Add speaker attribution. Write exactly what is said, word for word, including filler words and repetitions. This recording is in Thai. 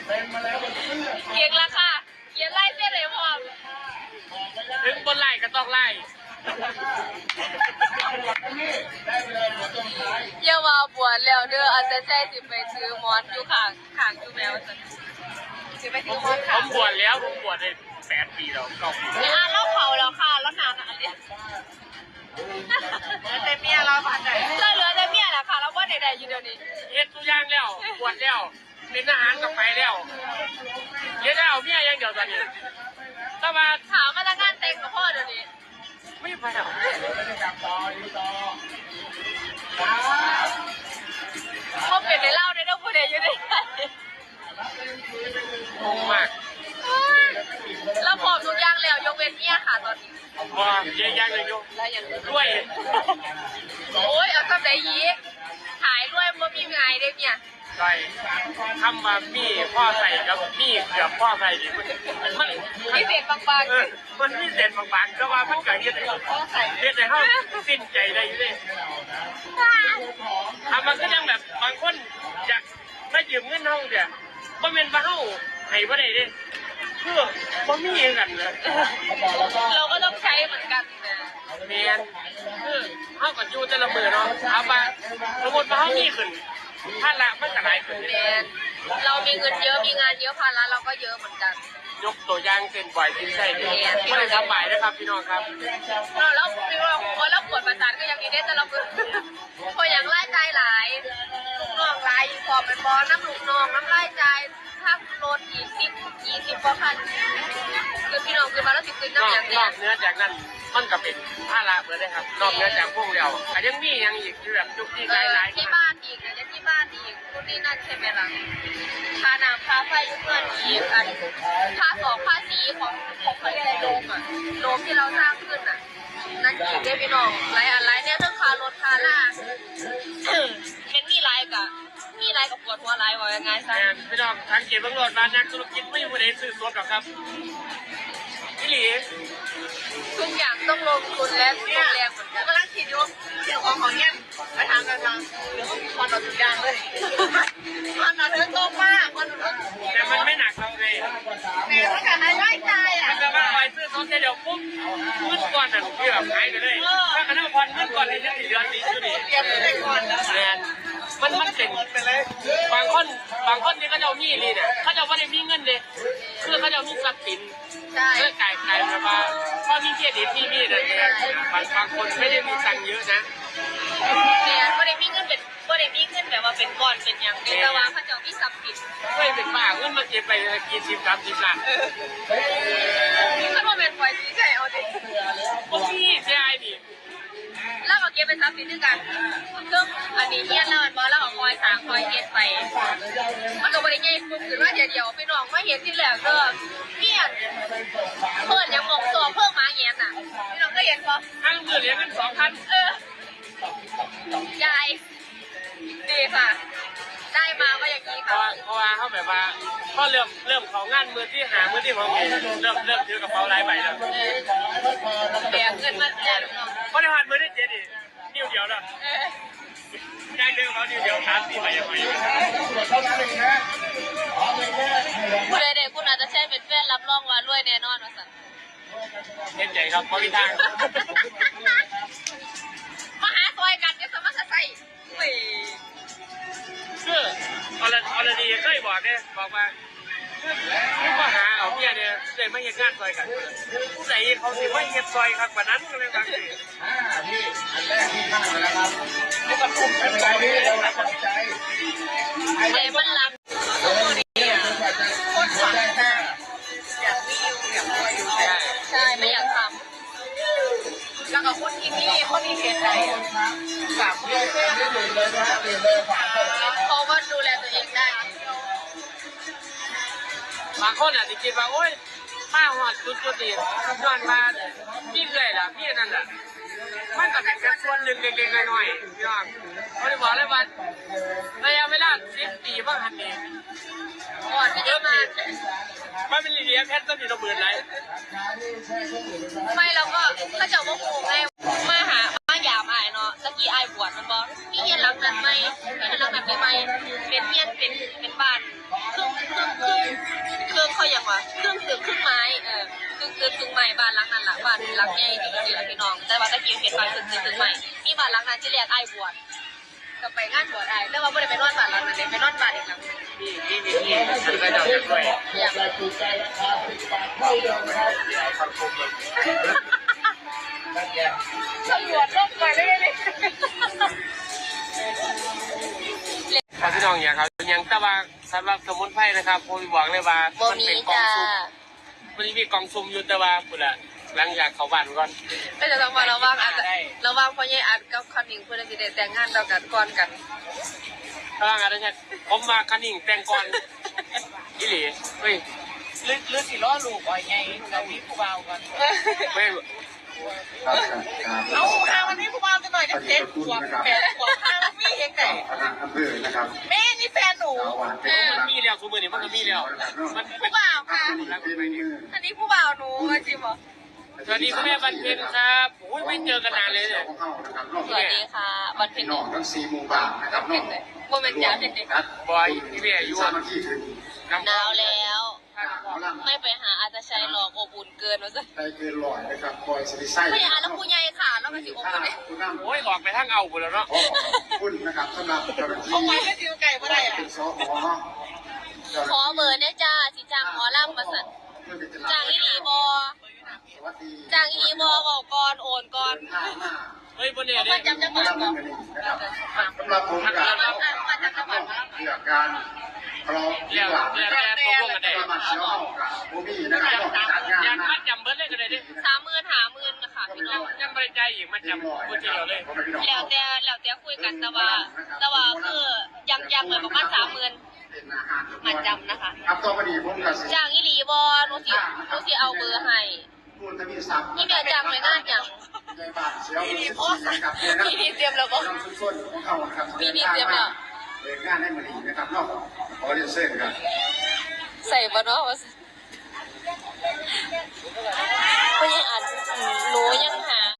Speaker 1: เกียงราคาเกียงไล่เส้นเลยพร้อม
Speaker 2: ถึงบนไล่ก็ต้องไล่
Speaker 1: เยาว่าบวชแล้วเด้ออาจจะใช่สิไปซื้อมอนอยู่ข้างข้างอยู่แมวสิสิไปซื้อมอนค่ะ
Speaker 2: ผมบวชแล้วผมบวชได้แปดปีแล้วเก้าปี
Speaker 1: แล้วอ่ะเราเผาแล้วค่ะแล้วนานอ่ะเนี่ยแต่เมียเราผ่านไหนเราเหลือแต่เมียแหละค่ะแล้วว่าใดๆอยู่เดี๋ยวนี้
Speaker 2: เฮ็ดตัวอย่างแล้วบวชแล้วเป็นทหารก็ไปแล้วเฮ็ดแล้วเมียยังเดียวตอนนี้ถ้ามา
Speaker 1: ถามมาแล้วงานเต็งกับพ่อเดี๋ยวนี้
Speaker 2: ไม่ไปหรอก
Speaker 1: พ่อเปลี่ยนในเล่าได้ต้องพูดเองอยู่ดิ
Speaker 2: งงมาก
Speaker 1: เราพร้อมทุกอย่างแล้วยกเว้นเมียค่ะตอนนี้
Speaker 2: ว่าเยอะแยะเลยโยด้วย
Speaker 1: โอ้ยเอาทำไรยีกขายด้วยมันมีไงได้เนี่ย
Speaker 2: ใส่ทำมามีพ่อใส่กับมีเกือบพ่อใส่ดิมันมัน
Speaker 1: มีเศษบางๆ
Speaker 2: เออมันมีเศษบางๆก็ว่ามันเกิดเยอะเลยเยอะเลยเขาสิ้นใจได้อยู่เลยทำมันก็ยังแบบบางคนอยากได้ยืมเงินห้องเดียวบ่เป็นบ้าเฮาให้บ่ได้เด้เพื่อบ่มีเงินกันเลย
Speaker 1: เราก็ต้องใช้เหมือนกันนะ
Speaker 2: แมนคือเฮากับยูแต่ละมือเนาะเอามาสมมติว่าเฮามีขึ้นถ้าละมันจะหลายขึ้น
Speaker 1: แมนเรามีเงินเยอะมีงานเยอะภาระเราก็เยอะเหมือนกัน
Speaker 2: ยกตัวอย่างเส้นปล่อยทิ้งใส่ดีไม่ได้สบายนะครับพี่น้องครับ
Speaker 1: เราแล้วพี่ว่าพอเราปวดประสาทก็ยังดีได้แต่เราคือพออย่างไล่ใจหลายลูกน้องหลายพอเป็นบอน้ำลูกน้องน้ำไล่ใจถ้ารถอีกสิบยี่สิบกว่าพันคือพี่น้องคือมาแล้วสิบคืนน้ำอย่างเดียวน
Speaker 2: อกเนื้อจากนั้นมันก็เป็นผ้าละเหมือนเลยครับนอกเนื้อจากพวกเราแต่ยังมียังอีกคือแบบยุคที่หลาย
Speaker 1: ๆที่บ้านอีกเนี่ยที่บ้านอีกคุณนี่นั่นใช่ไหมล่ะค่าน้ำค่าไฟยุคเงินอีกอันค่าสองค่าสีของของเขาเรียกอะไรโดมอ่ะโดมที่เราสร้างขึ้นอ่ะนั่นอีกได้พี่น้องหลายอะไรเนี่ยเรื่องค่ารถค่าล่าเป็นมีไรกะมีไรกับปวดหัวไรว่ายังไงซะ
Speaker 2: พี่น้องทางเก็บบังรถมานักธุรกิจไม่มีประเด็นซื้อตัวหรอกครับพี่หลี
Speaker 1: ทุกอย่างต้องลงทุนและลงแรงเหมือนกันกำลังคิดอยู่เดี๋ยวของของเงี้ยไปทางกันทางเดี๋ยวต้องมีความต่อทุกอย่างเลยความต่อเนื่องโตมากความต่อ
Speaker 2: แต่มันไม่หนักเราไง
Speaker 1: แต่ถ้าเกิดให้ได้ใจอ่ะ
Speaker 2: มันจะมาคอยซื้อเขาเดี๋ยวปุ๊บเงินก่อนอ่ะพี่แบบหายไปเลยถ้าขณะพรเงินก่อนในเดือนสี่เดือนนี้ก็ดี
Speaker 1: เตรียมไปก่อนแล้ว
Speaker 2: แมนมันมันเจ๋งไปเลยบางคนบางคนนี่เขาจะมีนี่เนี่ยเขาจะว่าได้มีเงินเลยคือเขาจะมีทรัพย์สินเพื่อจ่ายจ่ายแบบว่าพอมีเครดิตมีมีอะไรเนี่ยบางบางคนไม่ได้มีตังค์เยอะนะ
Speaker 1: เนี่ยไม่ได้มีเงินเป็นไม่ได้มีเงินแบบว่าเป็นก้อนเป็นอย่างเดียวแต่ว่าเขาจะมีทรัพย์สิน
Speaker 2: ไม่เป็นบ้าเงินมาเก็บไปกี่สิบสามสิบล้าน
Speaker 1: ถ้าเราเป็นไฟที่ใช่เอาดิ
Speaker 2: พวกพี่ใช่ดิ
Speaker 1: แล้วก็เก็บเป็นทรัพย์สินด้วยกันซึ่งอันนี้เนี่ยเราเป็นบอลแล้วก็คอยสางคอยเก็บไปมันก็บริเวณปุ๊บคือว่าเดี๋ยวเดี๋ยวพี่น้องไม่เห็นที่แหลกก็เพี้ยนเพิ่นยังมองตัวเพิ่มมาเงี้ยน่ะพี่น้องก็เห็นปะ
Speaker 2: ทั้งเงินเหรียญเป็นสองพัน
Speaker 1: เออยายดีค่ะได้มาก็อย่างนี้ค่ะ
Speaker 2: เพราะว่าเขาแบบว่าพอเริ่มเริ่มของงานมือที่หามือที่ของเริ่มเริ่มถือกระเป๋าลายใบแล้ว
Speaker 1: แบกเงินมาแจก
Speaker 2: เพราะในผ่านมือที่เจ็ดดินิ้วเดียวแล้วได้เรื่องเขานิ้วเดียวสามสี่ใบยังไง
Speaker 1: คุณเด็กคุณอาจจะใช้เป็นแฟนรับรองว่ารวยแน่นอนว่าสั่ง
Speaker 2: เห็นใจครับเพราะมีทาง
Speaker 1: มาหาซอยกันจะสมัครใส่
Speaker 2: คือออร์ออร์ดีเคยบอกเนี่ยบอกว่าคือมาหาเอาเมียเนี่ยเลยไม่เห็นงานซอยกันผู้ใดเขาสิไม่เห็นซอยครับกว่านั้นก็เลยบางที
Speaker 3: อ่าพี่อันแรกที่ข้างนะครับไม่ต้องคุ้มไม่เป็นไรพี่เรารับใจ
Speaker 1: ใจมันรับ
Speaker 3: คนฝันแค่
Speaker 1: อยากวิ่งอยากวิ่งใช่ไม่อยากทำแล้วก็คนที่นี่คนที่เสียใจ
Speaker 3: สามเดือนไม่ถึงเลยนะเดือนเลยสามคน
Speaker 1: เขาก็ดูแลตัวเองได้
Speaker 2: บางคนอาจจะคิดว่าโอ๊ยป้าหอดจุดจุดดีนอนมาพี่เลยล่ะพี่นั่นแหละมันก็เป็นแค่ส่วนหนึ่งเล็กๆน้อยๆพี่น้องเขาจะบอกเลยว่าระยะเวลาสิบปีบ้างหันนี้
Speaker 1: ก่อนที่จะมา
Speaker 2: มันเป็นเรียแพทย์ต้องมีระเบิดไร
Speaker 1: ไม่แล้วก็ถ้าเจ้าว่าโหงไงมาหามายามอายเนาะตะกี้อายบวชมันบอกมีเฮียนหลังนั้นไหมมีเฮียนหลังนั้นไหมเป็นเฮียนเป็นเป็นบ้านครึ่งครึ่งครึ่งตึกถึงใหม่บ้านหลังนั้นหลังบ้านหลังใหญ่ดีดีละพี่น้องแต่ว่าตะกี้เห็นบ้านตึกตึกถึงใหม่มีบ้านหลังนั้นที่เรียกไอ้บวชก็ไปงานบวชไอ้แต่ว่าไม่ได้ไปนอนบ้านหลังนั้นเลยไปนอนบ้านอีกหลัง
Speaker 2: นี่นี่นี่นี่ฉันก็จะจะด้วย
Speaker 1: อย่าง
Speaker 3: แต่ถูกใจราคาสิบบาทเท่าเดิมครับ
Speaker 2: คำคมเลย
Speaker 3: นั่นแก
Speaker 1: ตำรวจลงไปเลยเลย
Speaker 2: ครับพี่น้องอย่างครับยังแต่ว่าสำหรับสมุนไพรนะครับผมบอกเลยว่ามันเป็นกองซุ่มมันมีกองซุ่มอยู่แต่ว่าพุ่นละหลังจากเขาบ้านก่อน
Speaker 1: แต่จะต้องมาระวังอาจจะระวังเพราะยัยอัดกับคันนิงเพื่อนจะได้แต่งงานต่อกันก่อนกัน
Speaker 2: ถ้างั้นนะผมมาคันนิ่งแต่งก่อนอีหลีเฮ้ย
Speaker 4: ลึกลึกสิล้อลูกอ่อยไงเรามีผู้เบาก่อน
Speaker 2: ไม่
Speaker 4: เอาอาวันนี้ผู้เบาจะหน่อยจะเจ็ดขวบแปดขวบห้ามีเองไหน
Speaker 3: คณะอำเภอนะครับ
Speaker 4: แม่นี่แฟนหนู
Speaker 3: สาวหวานเป็น
Speaker 2: มันมีแล้วทุกมือนี่มันก็มีแล้วมันเป็น
Speaker 1: ผู้บ่าวค่ะ
Speaker 3: แล้วก็เป็นมือ
Speaker 1: อันนี้ผู้บ่าวหนูจริงเหรอ
Speaker 2: สวัสดีคุณแม่บันเพ็ญครับโอ้ยไม่เจอกันนานเลยเนี่ย
Speaker 3: ของเขานะครับนอก
Speaker 1: สวัสดีค่ะบันเพ็ญ
Speaker 3: นอกทั้งสี่หมู่บ้านนะครับนอก
Speaker 1: โมเมนต์ยาเด็ก
Speaker 2: บอยพี่เบียร์อยู่
Speaker 3: สามัคคีถึง
Speaker 1: หนาวแล้ว
Speaker 3: หมอลำ
Speaker 1: ไม่ไปหาอาจจะใช้หลอกอบอุ่นเกินว่าซะ
Speaker 3: ได้เกินร้อยนะครับคอยสิริไส้
Speaker 1: ไม่อยากแล้วผู้ใหญ่ค่ะแล้วมันสิอบอุ่นเลย
Speaker 3: คุณน้ำ
Speaker 2: โอ้ยออกไปทางเอาหมดแล้วเนาะ
Speaker 3: ขอขอบคุณนะครับสำหรับเจ้าหน้าที่
Speaker 4: เขาไว้ไม่จิวไก่เมื่อไรอ่ะ
Speaker 3: เป็นสข
Speaker 1: ขอเบอร์เนี่ยจ้าสิจ้างหมอลำมาสั่นจ้างอีหลีบอ
Speaker 3: สวัสดี
Speaker 1: จ้างอีหลีบอบอกก่อนโอนก่อน
Speaker 3: ข้างหน้า
Speaker 2: เฮ้ยบนเนี่ย
Speaker 1: เอา
Speaker 2: เนี่
Speaker 1: มาย จำจังหวัดก่อน
Speaker 3: สำหรับผมกับ
Speaker 1: มาจากจังหวัด
Speaker 3: เรื่องการทะเลาะวิ
Speaker 2: เรียก
Speaker 3: วาท
Speaker 2: เรียกแกตกลงกันได้
Speaker 3: ประมาทเชี่ยวกับโบมี่นะครับต้องจัดงาน
Speaker 2: ยัน
Speaker 3: นะ
Speaker 2: มัดจำเบิร์ดเลยกันเลยดิ
Speaker 1: สามหมื่นหาหมื่นนะคะพี่น้อง
Speaker 2: ยังบริใจอีกมัดจำพูดทีเดียวเลย
Speaker 1: แล้วแต่แล้วแต่คุยกันแต่ว่าแต่ว่าคือยังยังเลยประมาณสามหมื่นมาจำนะคะ
Speaker 3: ครับต่อไปนี้ผมกับ
Speaker 1: จ้างอีหลีบอหนูสิหนูสิเอาเบอร์ให้
Speaker 3: คุณทวีศักดิ์
Speaker 1: นี่เดี๋ยวจ้างเลยงานอย่าง
Speaker 3: ในบ้านเชี่ยวกับเดือนนะ
Speaker 1: พี่พี่เตรียมแล้วบอ
Speaker 3: น้องส้นๆของเขาครับ
Speaker 1: พี่พี่เตรียมแล้ว
Speaker 3: เดินงานให้มาดีนะครับนอกขอเรียนเส้นครับ
Speaker 1: ใส่บอเนาะว่าสิเพราะยังอ่านหนูยังหา